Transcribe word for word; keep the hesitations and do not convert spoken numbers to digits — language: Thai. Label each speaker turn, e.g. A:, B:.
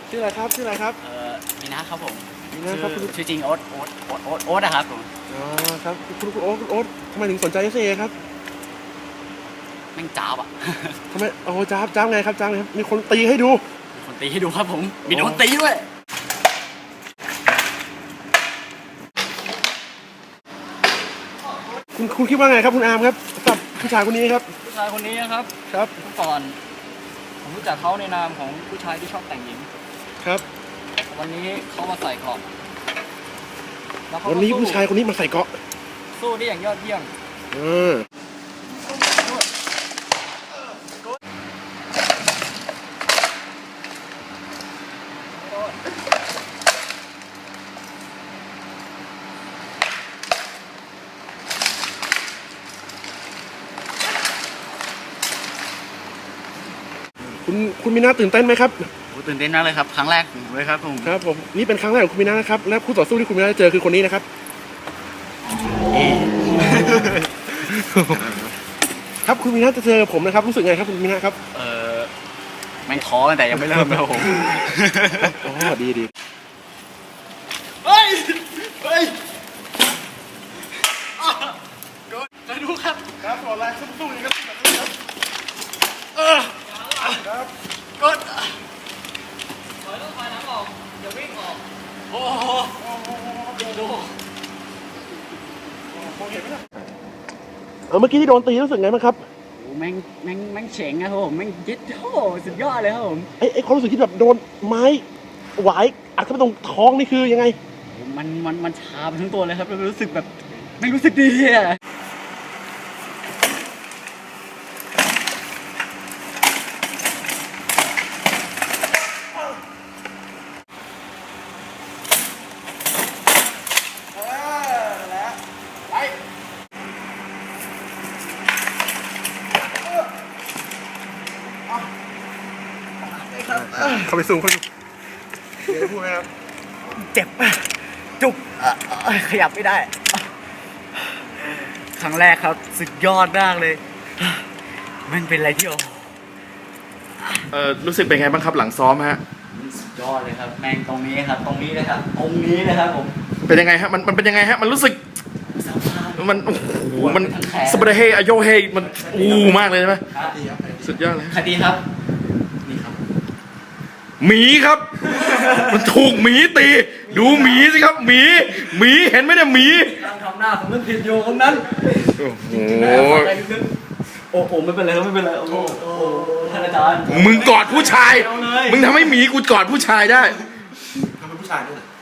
A: ชื่ออะไรครับชื่ออะไรครับ
B: เอ่อมีนะครับผม
A: มีนะครับคุณ
B: ชื่อจริงโอ๊ตโอ๊ตโอ๊ตโอ๊ตโอ๊ตนะครับผม
A: อ๋อครับคุณคุณโอ๊ตคุณโอ๊ตทำไมถึงสนใจเอสเอครับ
B: แม่งจ้าบอ่ะ
A: ทำไมโอ้จ้าบจ้าบไงครับจ้าบไงครับมีคนตีให้ดู
B: มีคนตีให้ดูครับผมมีโดนตีด้วย
A: คุณคุณคิดว่าไงครับคุณอาร์มครับกับผู้ชายคนนี้ครับ
B: ผู้ชายคนนี้นะครับ
A: ครับ
B: เมื่อก่อนผมรู้จักเขาในนามของผู้ชายที่ชอบแต่งหญิง
A: ครับ
B: วันนี้เขามาใส่เกราะแล้วเขา
A: วันนี้ผู้ชายคนนี้มาใส่เกราะ
B: สู้ได้อย่างยอดเยี่ยม
A: เออคุณคุณมีน่าตื่นเต้นไหมครับ
B: ตื่นเต้นมากเลยครับครั้งแรกเลยครับผม
A: ครับผมนี่เป็นครั้งแรกของคุณมีน่านะครับและคู่ต่อสู้ที่คุณมีน่าเจอคือคนนี้นะครับครับคุณมีน่าจะเจอผมนะครับรู้สึกไงครับคุณมีน่าครับ
B: เออแม่งท้อแต่ยังไม่เริ่มนะผม
A: อ๋อดีดี
B: เฮ้ยเฮ้ยจะดูครับ
A: ครับต่อแรงสู้ๆอย่างนี้ครับ
B: เออ
A: ครับ
B: กดถอยต้องถอยหลังออกอย่าวิ่งออกโอ้โหดู
A: เออเมื่อกี้ที่โดนตีรู้สึกไงบ้างครับ
B: โอ้แม่งแม่งแม่งเฉ่งนะครับผมแม่งยึดโอ้สุดยอดเลยครับผม
A: ไอ้ไอ้ความรู้สึกที่แบบโดนไม้หวายอัดเข้าไปตรงท้องนี่คือยังไง
B: มันมันมันชาไปทั้งตัวเลยครับรู้สึกแบบไม่รู้สึกดีอ่ะ
A: เข้าไปสูงเขาดูเดี๋ยวพูดไหมครับ
B: เจ็บจุกขยับไม่ได้ครั้งแรกครับสุดยอดมากเลยมันเป็นอะไรที่โอ้
A: เออรู้สึกเป็นไงบ้างครับหลังซ้อมฮะ
B: สุดยอดเลยครับแม่งตรงนี้ครับตรงนี้เลยครับตรงนี้เลยครับผม
A: เป็นยังไงฮะมันมันเป็นยังไงฮะมันรู้สึกมันโอ้โหมันสเปรย์เฮอโยเฮมันอู้มากเลยใช่ไหมสุดยอดเลย
B: คดีครับนี่ครับ
A: หมีครับมันถูกหมีตีดูหมีสิครับหมีหมีเห็นไหมเนี่ยหมี
B: ทำหน้าผมนึกผิดอยู่ตรงนั้น
A: โอ้โห
B: โอ้โหไม่เป็นไรไม่เป็นไรโอ้โหท่านอาจารย์
A: มึงกอดผู้ชายมึงทำให้หมีกูกอดผู้ชายได้ทำให้ผู้ชายด้วย